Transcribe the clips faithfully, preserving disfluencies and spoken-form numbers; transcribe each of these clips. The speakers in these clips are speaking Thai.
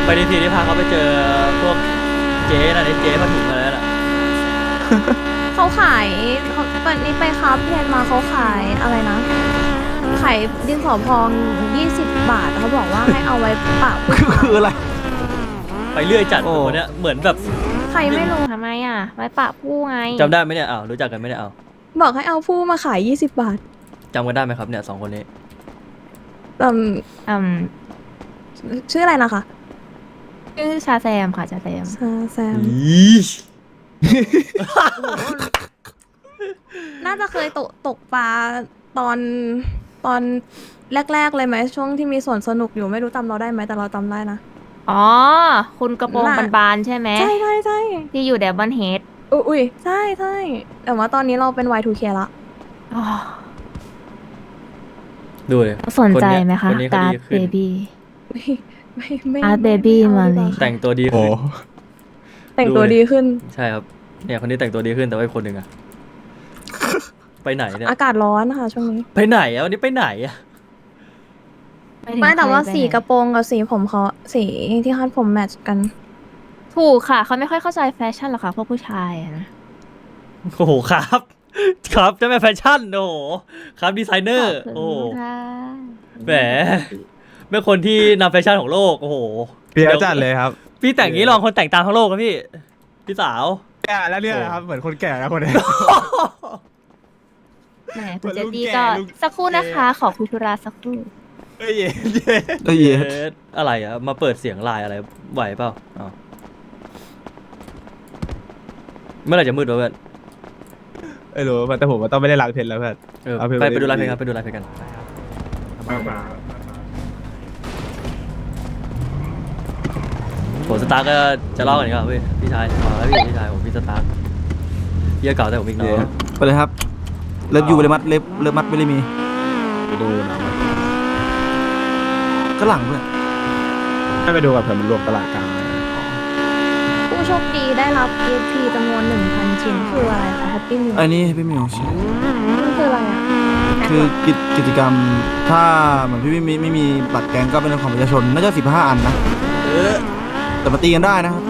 ไปดีทีที่พาเขาไปเจอพวกเจ๊น่ะเจ๊ผ้าถุงอะไรน่ะเขาขายเขาวันนี้ไปคราฟเพนมาเขาขายอะไรนะขายดินสอพองยี่สิบบาทเขาบอกว่าให้เอาไว้ปะผู้ชายคืออะไรไปเรื่อยจัดโอ้คนเนี้ยเหมือนแบบใครไม่รู้ทำไมอ่ะไว้ปะผู้ไงจำได้ไหมเนี่ยอ้าวรู้จักกันไหมเนี่ยอ้าวบอกให้เอาผู้มาขายยี่สิบบาทจำกันได้ไหมครับเนี่ยสองคนนี้อืมอืมชื่ออะไรนะคะชื่อชาแซมค่ะชาแซมซาแซมอีน่าจะเคยตกตกปลาตอนตอนแรก ๆ เลยไหมช่วงที่มีสวนสนุกอยู่ไม่รู้จำเราได้ไหมแต่เราจำได้นะอ๋อ คุณกระโปรงน่ะบานๆใช่ไหมใช่ใช่ใช่ที่อยู่แดบบันเฮดอุ๊ยอุ้ยใช่ใช่แต่ว่าตอนนี้เราเป็น วาย ทู เค ละดูเลยสนใจไหมคะคนนี้เขาการ์ดดีเบขึ้นบี้ไม่ไม่ไม่อาร์ตไม่ Baby ไอมาเลยดีกว่แต่งตัวดีโอ้ขึ้นแต่งตัวดูเลยดีขึ้นใช่ครับเนี่ยคนนี้แต่งตัวดีขึ้นแต่ว่าอีกคนหนึ่งอะไปไหนเนี่ยอากาศร้อนนะคะช่วงนี้ไปไหนอะวันนี้ไปไหนอะถึงไม่แต่ว่าใครไปสีไหนกระโปรงกับสีผมเขาสีที่คาดผมแมทช์กันถูกค่ะ เขาไม่ค่อยเข้าใจแฟชั่นหรอกค่ะพวกผู้ชายอะนะโอ้โหครับ ครับเจะแม่แฟชั่นโอ้โหครับดีไซเนอร์ขบโอ้คุณค่ะแหมเป็นคนที่นำแฟชั่นของโลกโอ้โหเปียจัดเลยครับพี่แต่งอย่างนี้ลองคนแต่งตามทั้งโลกนะพี่พี่สาวแก่แล้วเนี่ยนะครับ เหมือนคนแก่แล้วคนนี้แหมคุณเจเหมือนลุงตี้แก่ก็ลุงสักครู่นะคะ ขอคุยธุระสักครู่เอ้ยเย่เย่เอ้ยเอ๊ะอะไรอะมาเปิดเสียงไลน์อะไรไหวเปล่าอ้าวเมื่อไหร่จะมืดวะเพื่อนไม่รู้แต่ผมว่าต้องไม่ได้ล้างเพชรแล้วเพื่อนเออเอาเพลงไปไปไปดูไลฟ์เพลดีงครับไปดูไลฟ์เพลงกันโหสตาร์ก็จะเล่ากันครับพี่พี่ชายมาแล้วพี่พี่ชายผมพี่สตาร์พี่เก่าแต่ผมอีกน้องไปเลยครับ เลิฟยูเลยมัดเล็บเลิฟมัดไม่ได้มีไปดูหนังก็หลังเพื่อนไม่ไปดูกับเพื่อนมันรวมตลาดกลางผู้โชคดีได้รับ อี เอฟ พี จำนวน หนึ่งพัน ชิ้นคืออะไรคะ Happy Meal ไอ้นี่พี่มิวใช่มันคืออะไรอ่ะคือกิจกิจกรรมถ้าเหมือนพี่ไม่มีไม่มีบัตรแกงก็เป็นของประชาชนน่าจะสิบห้าอันนะแต่มาตีกันได้นะครับ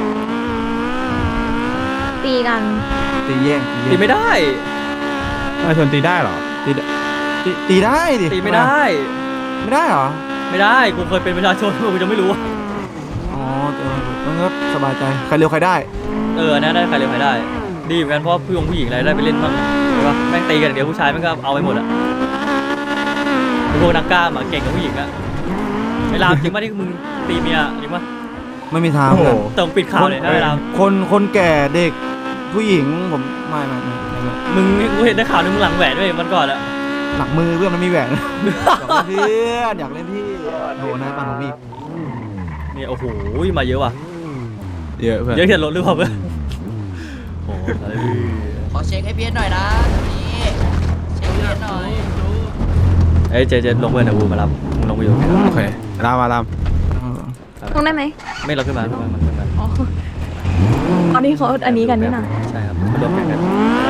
ตีกันตีแย่งตีไม่ได้ประชาชนตีได้เหรอตีตีตีได้ดิตีไม่ได้ไม่ได้เหรอไม่ได้กูเคยเป็นประชาชนกูจะไม่รู้อ๋อเออมันก็สบายใจใครเร็วใครได้เออนะได้ใครเร็วใครได้ ดีเหมือนกันเพราะผู้หญิงผู้หญิงอะไรได้ไปเล่นบ้างใช่ปะแม่งตีกันอย่างเดียวผู้ชายแม่งก็เอาไปหมดอะพวกนักกล้ามอะเก่งกับผู้หญิงอะไอ้รามจริงป่ะที่มึงตีเมียจริงป่ะไม่มีทางโอ้โหเพื่อนแต่มึงปิดข่าวเลยนะไอ้รามคนคนแก่เด็กผู้หญิงผมไม่ไม่ไม่ไม่ไม่มึงกูเห็นได้ข่าวนึงมึงหลังแหวนด้วยมันก่อนอะหลังมือเพื่อนมันมีแหวน อยากเล่นเพื่อนอยากเล่นพี่โหนายปันของพี่เนี่ยโอ้โหมาเยอะว่ะเยอะเพื่อนเยอะเห็นรถหรือเปล่าเพื่อนโอ้โหอะไรพี่ขอเช็คให้เพียนหน่อยนะตรงนี้เช็คเพียนหน่อยเอ้ยเจเจลงเพื่อนเดี๋ยวกูมารับมึงลงไปอยู่โอเครามารามลงได้ไหมไม่เราขึ้นมาขึ้นมาขึ้นมาอ๋ออันนี้เขาอันนี้กันนี่นะใช่ครับมารวมกันกัน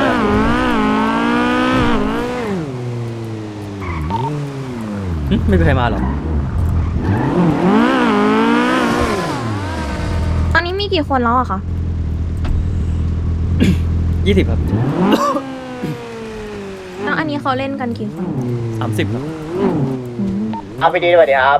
หึไม่มีใครมาหรอตอนนี้มีกี่คนแล้วอะคะยี่สิบครับแล้วอันนี้เขาเล่นกันกี่คนสามสิบครับเอาไปดีสวัสดีครับ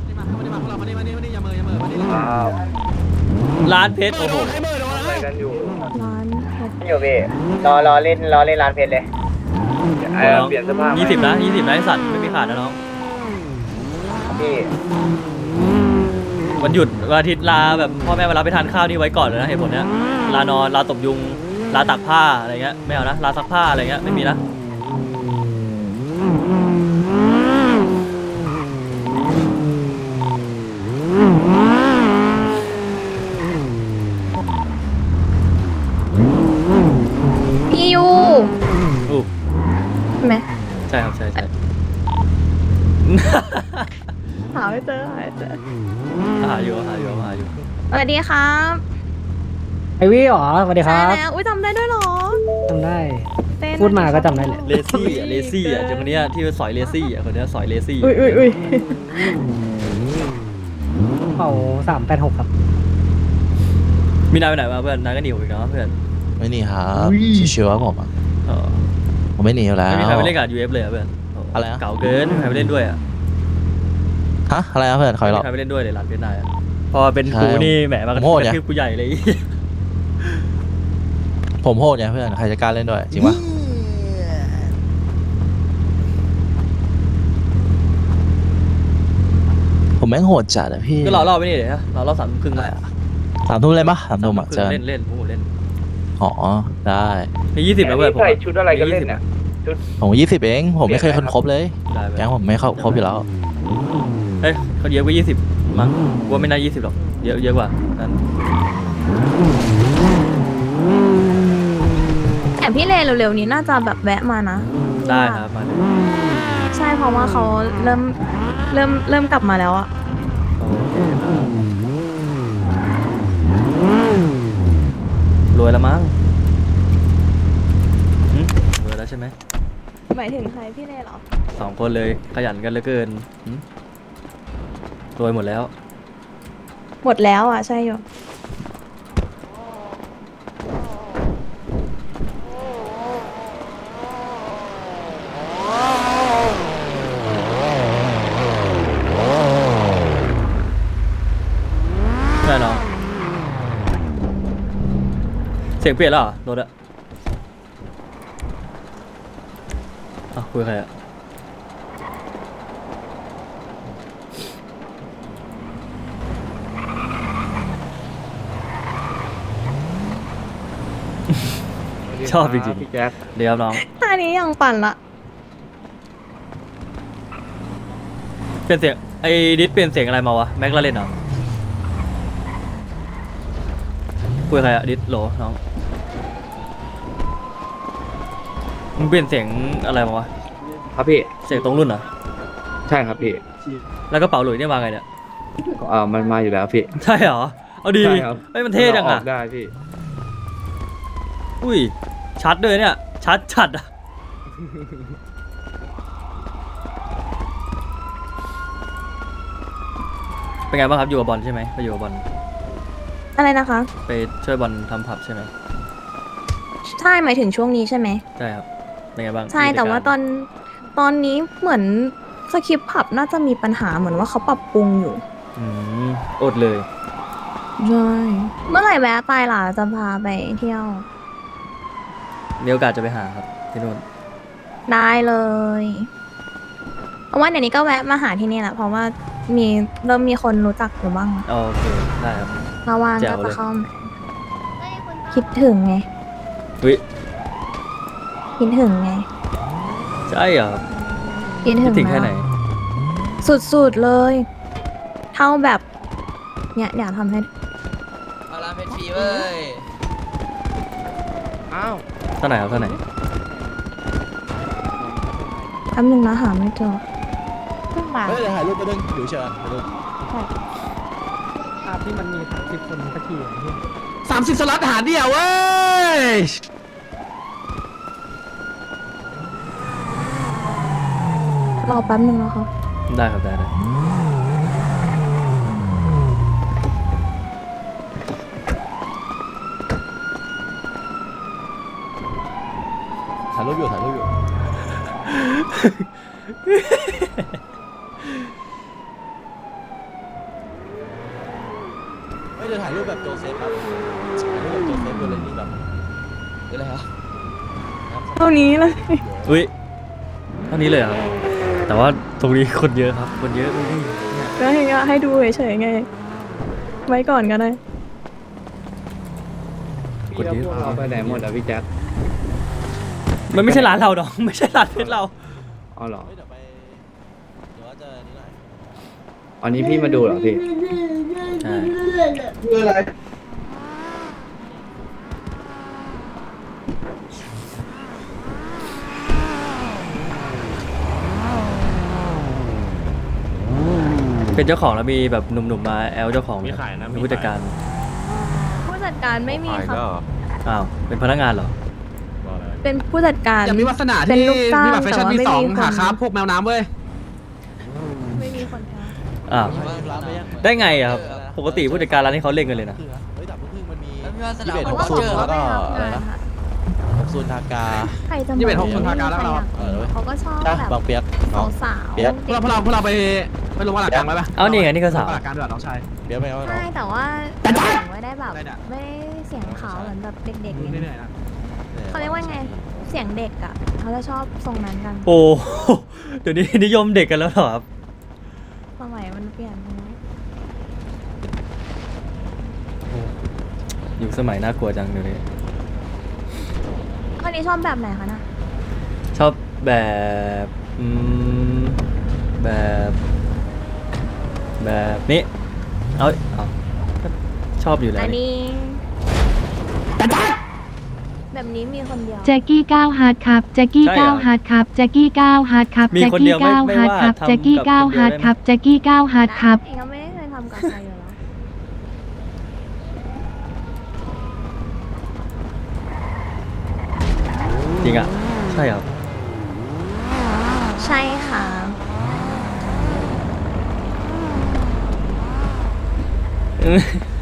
ร้านเพชรโอ้โหอะไรกันอยู่ร้านเพชรอยู่พี่รอรอเล่นรอเล่นร้านเพชรเลยเออเปลี่ยนเสภาพยี่สิบนะยี่สิบนะไอสัตว์ไม่มีขาดนะน้องพี่วันหยุดวันอาทิตย์ลาแบบพ่อแม่มารับไปทานข้าวนี่ไว้ก่อนเลยนะเหตุผลเนี้ยลานอนลาตบยุงลาตากผ้าอะไรเงี้ยไม่เอานะลาซักผ้าอะไรเงี้ยไม่มีนะพี่ยูอู้ใช่ไหมใช่ครับใช่ใช่หาไม่เจอหาไม่เจอหาอยู่หาอยู่หาอยู่สวัสดีครับไอวี่หรอสวัสดีคใช่รับแล้วอุ้ยจำได้ด้วยเหรอจำได้เต้นพูดมาก็จำได้เลยเลซี่อ่ะเลซี่อ่ะเจ้าคนเนี้ยที่สอยเลซี่อ่ะคนเนี้ยสอยเลซี่อุ้ยอุ้ยอุ้ยเป่าสามแปดหกครับมีนายไปไหนมาเพื่อนนายก็หนีผมอีกเนาะเพื่อนไม่หนีครับชิวๆครับผมอะเออผมไม่หนีอยู่แล้วไม่มีใครไปเล่นกับ ยู เอฟ เลยอะเพื่อนโอะไรนะเก่าเกินไม่มีใครไปเล่นด้วยอะฮะอะไรนะเพื่อนคอยรไม่อมีใครไปเล่นด้วยเลยหลานเพชรนายอะพอเป็นใช่กูนี่แหมมากระผมโหดไงทืบกูใหญ่เลยผมโหดไงเพื่อนใครจะกล้าเล่นด้วยจริงปะผมแม่งโหดจัดอะพี่ก็รอรอบไปนี่เดี๋ยวนะรอรอบสามทุ่มครึ่งมาสามทุ่มเล่นปะสามทุ่มอะครึ่เจองเล่นเล่นพวกผมเล่นอ๋อได้มียี่สิบนะเพื่อนผมใส่ชุดอะไรกันเล่นเนี่ยผมยี่สิบเองผมไม่เคยคนครบเลยได้เพื่อนแก๊งผมไม่เข้าครบอยู่แล้วเฮ้ยเขาเยอะกว่ายี่สิบมั้งกูว่าไม่น่ายี่สิบหรอกเยอะเยอะกว่านั้นแต่พี่เลเร็วๆนี้น่าจะแบบแวะมานะได้ครับมาเลยใช่เพราะว่าเขาเริ่มเริ่มเริ่มกลับมาแล้วอะรวยแล้วมั้งหึรวยแล้วใช่ไหมหมายถึงใครพี่เลเหรอสองคนเลยขยันกันเหลือเกินหึรวยหมดแล้วหมดแล้วอะใช่อยู่ใช่น้องเสียงเปลี่ยนแล้วเหรอรถอะอ้าวคุยกับใครอะ ชอบจริงพี่แจ๊คๆเดี๋ยวครับน้องอันนี้ยังปั่นละเปลี่ยนเสียงไอ้ดิสเปลี่ยนเสียงอะไรมาวะแม็กลาเล่นเหรอคุยกับใครอะดิสโหลน้องมึงเปลี่ยนเสียงอะไรมาวะครับพี่เสียงตรงรุ่นเหรอใช่ครับพี่แล้วกระเป๋าหลุยเนี่ยมาไงเนี่ยเออมันมาอยู่แล้วพี่ใช่เหรอเอาดีใช่ครับเฮ้ยมันเท่จังอะกได้พี่อุ้ยชัดเลยเนี่ยชัดชัดอะเป็นไงบ้างครับอยู่กับบอลใช่ไหมไปอยู่กับบอลอะไรนะคะไปช่วยบอลทำผับใช่ไหมใช่หมายถึงช่วงนี้ใช่ไหมใช่ครับเป็นไงบ้างใช่แต่ว่าตอนตอนนี้เหมือนสคริปต์ผับน่าจะมีปัญหาเหมือนว่าเขาปรับปรุงอยู่อืมอดเลยใช่เมื่อไหร่แวะไปล่ะจะพาไปเที่ยวมีโอกาสจะไปหาครับที่นู่นได้เลยเพราะว่าเดี๋ยวนี้ก็แวะมาหาที่นี่แหละเพราะว่ามีเริ่มมีคนรู้จักอยู่บ้างแล้วโอเคได้ครับถ้าว่างแจ๋ก็วเลยจะเข้ามาคิดถึงไงวิคิดถึงไงใช่เหรอคิดถึคิดงถึงแค่ไหนมากสุดๆเลย เท่าแบบเนี่ยอยากทำให้เอาลาเป็นฟรีเว้ยอ้าวเท่าไหร่ครับเท่าไหร่แป๊บนึงนะหาไม่เจอเพิ่งมาเฮ้ยเดี๋ยวถ่ายรูปไปดึงอยู่เชิญไปดึงภาพที่มันมีสามสิบคนสักทีอย่างเงี้ยสามสิบสล็อตหาเดียวเว้ยรอแป๊บนึงนะคะได้ครับได้ได้ถ่ายรูปอยู่ถ่ายรูปอยู่เฮ้ยเดี๋ยวถ่ายรูปแบบโจเซฟครับถ่ายรูปแบบโจเซฟดูเลยนี่แบบคืออะไรครับเท่านี้เลยอุ้ยเท่านี้เลยเหรอแต่ว่าตรงนี้คนเยอะครับ คนเยอะเลยนี่ก็ให้ให้ดูเฉยๆไง ไว้ก่อนก็ได้คนเยอะเราไปไหนหมดอ่ะพี่แจ๊คมันไม่ใช่ร้านเราดอก ไม่ใช่ร้านเพชรเราอ๋อเหรอเฮ้ยเดี๋ยวไปเดี๋ยวว่าจะนี่หน่อยอันนี้พี่มาดูเหรอพี่ใช่ เป็นเจ้าของแล้วมีแบบหนุ่มๆมาแอลเจ้าของมีขายนะมีผู้จัดการผู้จัดการไม่มีครับอ้าวเป็นพนักงานเหรอเป็นผู้จัดการอย่ามีวาสนาเป็นที่ลูกจ้างมีบัตรแฟชั่นแต่ว่าที่ไม่สองมีคนหาครับพวกแมวน้ำเว้ยไม่มีคนค้าอ้าวร้านไปยังได้ไงอะครับปกติผู้จัดการร้านที่เขาเล่นกันเลยนะเฮ้ยดับเพิ่งมันมีแล้วพี่ว่าสยี่นามสิบเอ็ดผมหกก็ศูนเจย์อแล้วก็ไม่อะไรรับนะงานค่ะหกศูนย์ทากาใครจะยี่สิบเอ็ดหกคนทากาแล้วเราเออเขาก็ชอบใช่แบบบางเปียกน้องสาวๆเปี๊ยกพวกเราพวกเราพวกเราไปไปลงมาหลักกลางไหมปะเอานี่ไงนี่ก็สาวลงมาหลักกลางด้วยน้องชายเปียกไปเอาน้องใช่แต่ว่าเสียงไม่ได้แบบได้เนี่ยไม่ได้เสียงขาวเหมือนแบบเด็กๆเหเนี่ยนื่อยๆนะเขาเรียกว่าไงเสียงเด็กอ่ะเขาจะชอบทรงนั้นกันโอ้ เดี๋ยวนี้นิยมเด็กกันแล้วเหรอครับสมัยมันเปลี่ยนไปแล้วอยู่สมัยน่ากลัวจังเดี๋ยวนี้คนนี้ชอบแบบไหนคะน่ะชอบแบบอืมแบบแบบนี้เอาเอาก็ชอบอยู่แล้วอันนี่นี้แบบนี้มีคนเดียวแจ็กกี้ก้าวฮาร์ดครับแจ็กกี้ก้าวฮาร์ดครับแจ็กกี้ก้าวฮาร์ดครับมีแจ็กคนกี้เดียวไม่ก้าวไม่ฮาร์ดว่าครับทำแจ็กกี้กับก้าวคนเดียวฮาร์ดได้ไหมครับแจ็กกี้ก้าวฮาร์ดครับเองก็ไม่ได้เคยทำกับใครอยู่แล้วจริงอ่ะ ใช่ครับใช่ค่ะเออ